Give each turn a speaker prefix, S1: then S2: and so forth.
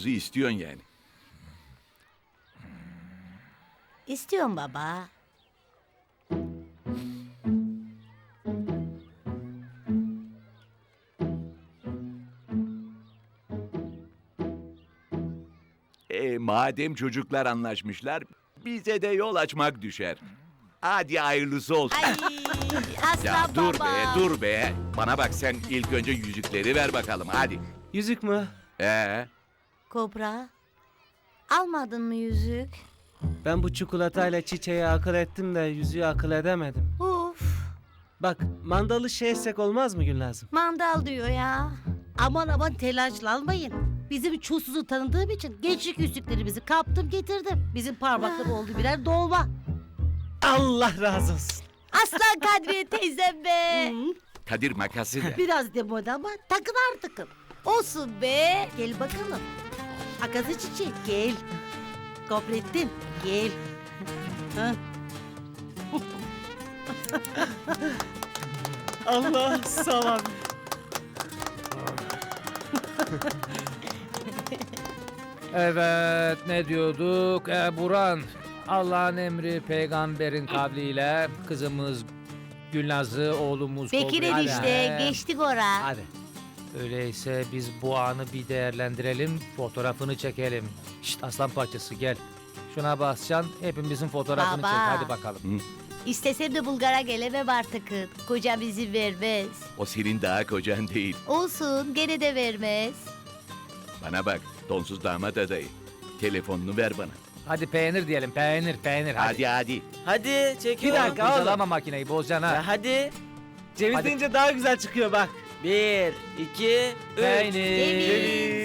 S1: kızı istiyorsun yani.
S2: İstiyorum baba.
S1: Madem çocuklar anlaşmışlar, bize de yol açmak düşer. Hadi hayırlısı olsun.
S2: Ay aslan
S1: Ya dur
S2: baba.
S1: be, dur be. Bana bak, sen ilk önce yüzükleri ver bakalım, hadi.
S3: Yüzük mü?
S2: Kobra. Almadın mı yüzük?
S3: Ben bu çikolatayla çiçeği akıl ettim de yüzüğü akıl edemedim.
S2: Uf.
S3: Bak mandalı şey etsek olmaz mı Gülnaz'ım?
S2: Mandal diyor ya.
S4: Aman aman telaşlanmayın. Bizim çulsuzu tanıdığım için gençlik yüzüklerimizi kaptım getirdim. Bizim parmakları oldu birer dolma.
S3: Allah razı olsun.
S2: Aslan Kadriye teyzem be.
S1: Kadir, makası ver.
S4: Biraz demode ama takın artık.
S2: Olsun be.
S4: Gel bakalım. Akası çiçeği gel. Kobrettin gel. Ha.
S3: Allah sağ ol abi.
S5: Evet, ne diyorduk? Burhan, Allah'ın emri peygamberin kavliyle kızımız Gülnaz'ı, oğlumuz
S2: Bekir
S5: Kobra-
S2: enişte
S5: Hadi.
S2: geçtik ora.
S3: Hadi.
S5: Öyleyse biz bu anı bir değerlendirelim, fotoğrafını çekelim. Şşt, aslan parçası gel. Şuna basacaksın, hepimizin fotoğrafını
S2: Baba.
S5: çek. Hadi bakalım.
S2: İstesem de Bulgar'a gelemem artık. Kocam izin vermez.
S1: O senin daha kocan değil.
S2: Olsun gene de vermez.
S1: Bana bak, donsuz damat adayı. Telefonunu ver bana.
S5: Hadi peynir diyelim, peynir, peynir.
S1: Hadi hadi.
S3: Hadi
S5: Bir
S3: çekiyorum.
S5: dakika, kurcalama makineyi, bozacaksın ha.
S3: Ya hadi. Ceviz
S5: Hadi.
S3: deyince daha güzel çıkıyor bak. 1, 2, 3.
S5: Peynir.
S2: Ceviz.